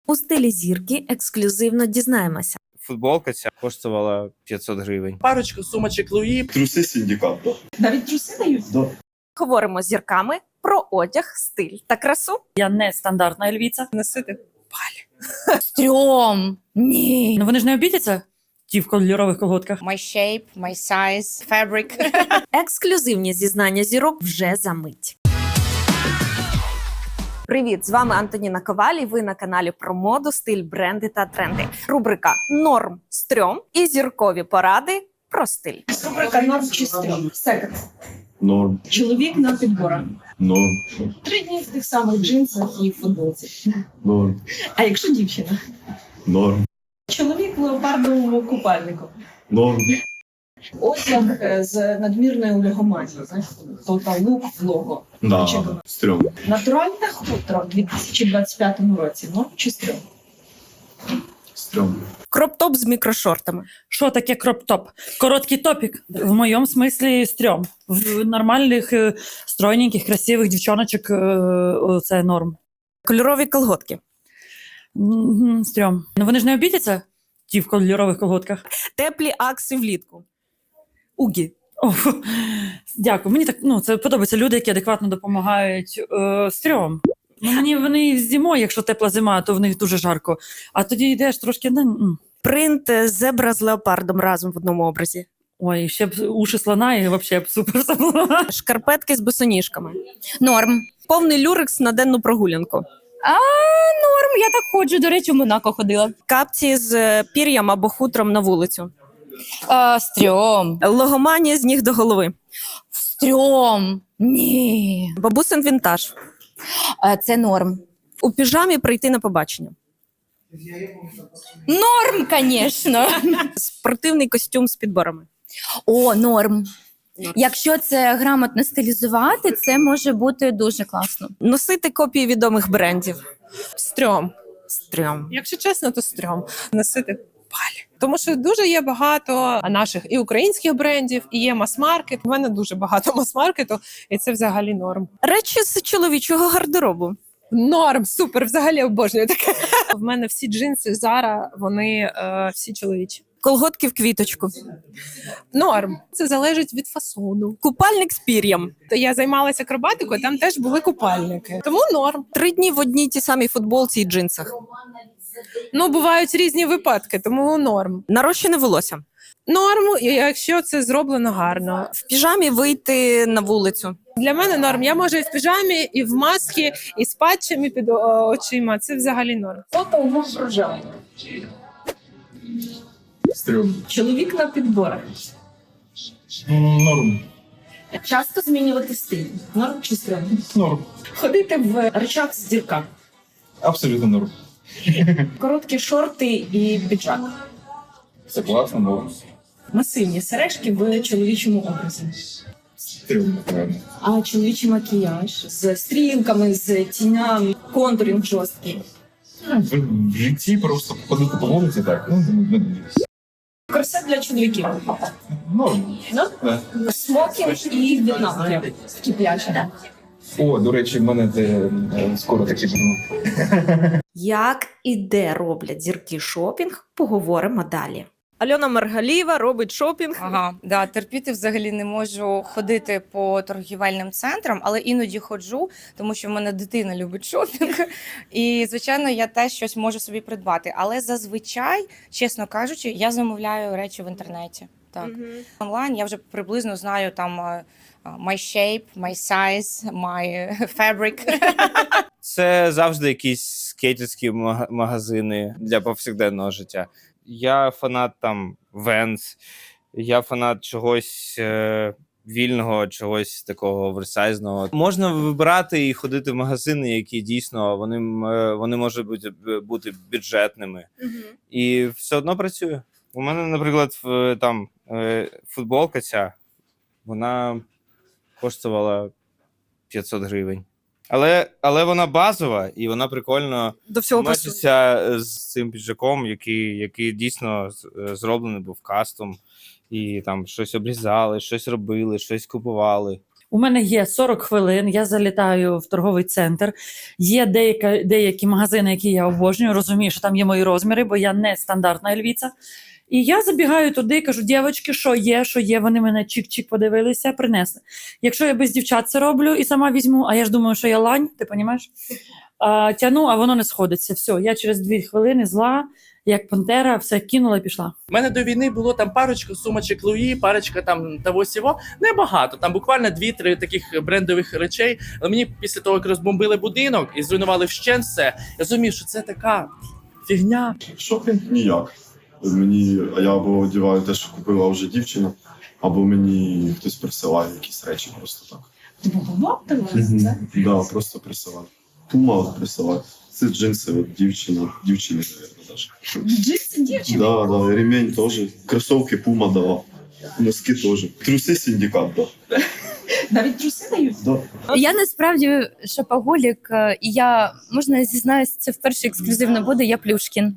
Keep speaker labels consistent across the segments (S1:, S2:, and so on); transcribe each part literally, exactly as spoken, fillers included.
S1: У стилі зірки ексклюзивно дізнаємося.
S2: Футболка ця коштувала п'ятсот гривень.
S3: Парочку сумочок Луї.
S4: Труси синдикат.
S3: Навіть труси дають?
S4: Да.
S1: Говоримо з зірками про одяг, стиль та красу.
S5: Я не стандартна львіця.
S3: Носити.
S5: Стрьом! Ні. Ну вони ж не обідяться? Ті в кольорових колготках.
S6: My shape, my size, fabric.
S1: Ексклюзивні зізнання зірок вже за мить. Привіт, з вами Антоніна Коваль, і ви на каналі про моду, стиль, бренди та тренди. Рубрика «Норм, стрьом» і зіркові поради про стиль.
S7: Рубрика «Норм чи стрьом». Секонд.
S4: Норм.
S7: Чоловік на підборах.
S4: Норм.
S7: Три дні в тих самих джинсах і футболці.
S4: Норм.
S7: А якщо дівчина?
S4: Норм.
S7: Чоловік в леопардовому купальнику.
S4: Норм.
S7: Одяг е, з надмірною легоманією. Знаєш, Total Look в лого.
S4: Да.
S7: Чекаю.
S4: Стрём.
S7: Натуральне хутро в дві тисячі двадцять п'ятому році. Норм чи стрьом?
S4: Стрём.
S1: Кроп-топ з мікрошортами.
S5: Що таке кроп-топ? Короткий топік. В моєму смислі стрьом. В нормальних, е, стройненьких, красивих дівчоночок е, це норм.
S1: Кольорові колготки.
S5: М, Стрьом. Ну вони ж не обідяться? Ті в кольорових колготках.
S1: Теплі акси влітку. Угі.
S5: О, фу. Дякую. Мені так, ну, це подобається. Люди, які адекватно допомагають. Е, стрьом. Ну, мені вони зимою, якщо тепла зима, то в них дуже жарко. А тоді йдеш трошки. Ну, м.
S1: Принт зебра з леопардом разом в одному образі.
S5: Ой, ще б уші слона і взагалі б супер все було.
S1: Шкарпетки з босоніжками.
S6: Норм.
S1: Повний люрекс на денну прогулянку.
S6: А, норм, я так ходжу. До речі, в Монако ходила.
S1: Капці з е, пір'ям або хутром на вулицю.
S6: А, стрьом.
S1: Логоманія з ніг до голови.
S6: Стрьом. Ні.
S1: Бабусин вінтаж.
S6: А, це норм.
S1: У піжамі прийти на побачення.
S6: Норм, звісно.
S1: Спортивний костюм з підборами.
S6: О, норм. Якщо це грамотно стилізувати, це може бути дуже класно.
S1: Носити копії відомих брендів.
S3: Стрьом.
S1: Стрьом.
S3: Якщо чесно, то стрьом. Носити палі. Тому що дуже є багато наших і українських брендів, і є мас-маркет. У мене дуже багато мас-маркету, і це взагалі норм.
S1: Речі з чоловічого гардеробу.
S3: Норм, супер, взагалі обожнюю таке. В мене всі джинси Zara, вони е, всі чоловічі.
S1: Колготки в квіточку.
S3: Норм. Це залежить від фасону.
S1: Купальник з пір'ям.
S3: То я займалася акробатикою, там теж були купальники. Тому норм.
S1: Три дні в одній тій самій футболці і джинсах.
S3: Ну, бувають різні випадки, тому норм.
S1: Нарощене волосся.
S3: Норм, якщо це зроблено гарно.
S1: В піжамі вийти на вулицю.
S3: Для мене норм. Я можу і в піжамі, і в масці, і з патчами під о, очима. Це взагалі норм.
S7: Фото умов проживання.
S4: Стрём.
S7: Чоловік на підборах.
S4: Норм.
S7: Часто змінювати стиль. Норм чи стрьом?
S4: Норм.
S7: Ходити в речах з дірками.
S4: Абсолютно норм.
S7: Короткі шорти і піджак.
S4: Це класно, норм.
S7: Масивні сережки в чоловічому образі.
S4: Стрём, напевно.
S7: А чоловічий макіяж з стрілками, з тінями, контуринг жорсткий.
S4: В, в житті просто ходити по вулиці, так, ну, не дивись.
S7: Корсет для чоловіків.
S4: Норм.
S7: Ну?
S4: Да.
S7: Смокінг і в'єтнамки. Такі пляжі.
S4: О, до речі, в мене те, е, скоро такі будуть.
S1: Як і де роблять зірки шопінг, поговоримо далі. Альона Маргалієва робить шопінг.
S6: Ага, да, терпіти взагалі не можу ходити по торгівельним центрам, але іноді ходжу, тому що в мене дитина любить шопінг. І, звичайно, я теж щось можу собі придбати. Але зазвичай, чесно кажучи, я замовляю речі в інтернеті. Так. Онлайн я вже приблизно знаю там е, my shape, my size, my fabric.
S2: Це завжди якісь скейтерські мага- магазини для повсякденного життя. Я фанат там Vans, я фанат чогось е, вільного, чогось такого оверсайзного. Можна вибирати і ходити в магазини, які дійсно вони, м, е, вони можуть бути, бути бюджетними. І все одно працює. У мене, наприклад, в- там е, футболка ця, вона коштувала п'ятсот гривень. Але, але вона базова і вона прикольно
S1: До всього пасує.
S2: мечиться з цим піджаком, який, який дійсно з- зроблений був кастом. І там щось обрізали, щось робили, щось купували.
S5: У мене є сорок хвилин, я залітаю в торговий центр. Є деяка, деякі магазини, які я обожнюю, розумію, що там є мої розміри, бо я не стандартна львіця. І я забігаю туди, кажу, дівчатки, що є, що є, вони мене чик-чик подивилися, принесли. Якщо я без дівчат це роблю і сама візьму, а я ж думаю, що я лань, ти розумієш? А, тяну, а воно не сходиться. Все, я через дві хвилини зла, як пантера, все кинула і пішла.
S8: У мене до війни було там парочка сумочок Луї, парочка там того сього. Небагато, там буквально дві-три таких брендових речей. Але мені після того, як розбомбили будинок і зруйнували вщент все, я розумів, що це така фігня.
S9: Шопінг ніяк. Мені, а я або одягаю те, що купила вже дівчина, або мені хтось присилає якісь речі просто так.
S7: Богомоб ти
S9: Мгм.
S7: це?
S9: Да, просто присилає. Пума от присилає. Це джинси от дівчина, дівчини, мабуть, навіть.
S7: Джинси дівчини?
S9: Да, да, ремень теж. Кросовки Пума дала. Носки теж. Труси синдикат, да.
S7: Навіть труси дають?
S9: Да.
S10: Я насправді шопоголік, е, і я, можна зізнаюсь, це вперше ексклюзивно буде, я Плюшкін.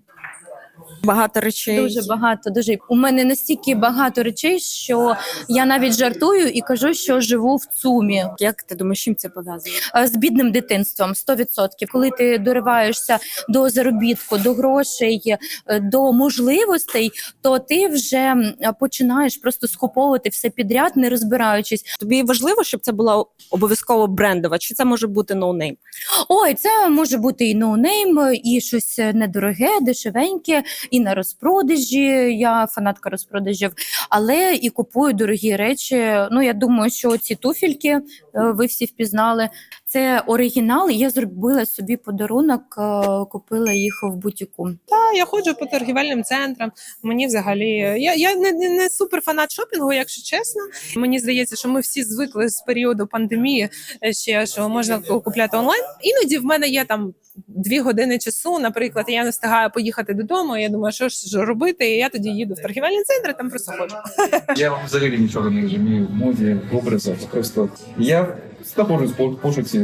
S1: Багато речей.
S10: Дуже багато, дуже. У мене настільки багато речей, що я навіть жартую і кажу, що живу в ЦУМі.
S1: Як ти думаєш, чим це пов'язано?
S10: Е, З бідним дитинством, сто відсотків. Коли ти дориваєшся до заробітку, до грошей, е, до можливостей, то ти вже м, починаєш просто скуповувати все підряд, не розбираючись.
S1: Тобі важливо, щоб це була обов'язково брендова, чи це може бути ноунейм?
S10: Ой, це може бути і ноунейм, і щось недороге, дешевеньке, і на розпродажі. Я фанатка розпродажів, але і купую дорогі речі. Ну, я думаю, що ці туфельки е, ви всі впізнали. Це оригінал, і я зробила собі подарунок, е, купила їх в бутіку.
S3: Та я ходжу по торгівельним центрам. Мені взагалі я, я не, не, не супер фанат шопінгу, якщо чесно. Мені здається, що ми всі звикли з періоду пандемії е, ще що можна купляти онлайн. Іноді в мене є там дві години часу, наприклад, і я не встигаю поїхати додому. І я думаю, що ж робити, і я тоді їду в торгівельний центр, там просто ходжу.
S4: Я взагалі нічого не розумію в моді, в образах. Просто я знаходжусь в пошуці,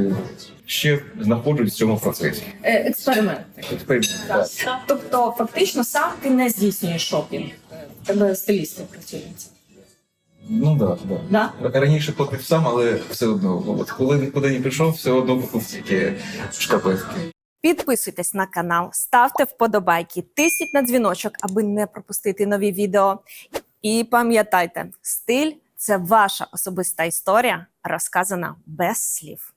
S4: ще знаходжусь в цьому процесі.
S7: Експеримент.
S4: Експеримент,
S7: Так.
S4: так.
S7: Тобто, фактично, сам ти не здійснюєш шопінг. В Тебе стилісти працюють.
S4: Ну так, да,
S7: Да?
S4: да. Раніше платив сам, але все одно. От коли нікуди не прийшов, все одно купив тільки шкарпетки.
S1: Підписуйтесь на канал, ставте вподобайки, тисніть на дзвіночок, аби не пропустити нові відео. І пам'ятайте, стиль – це ваша особиста історія, розказана без слів.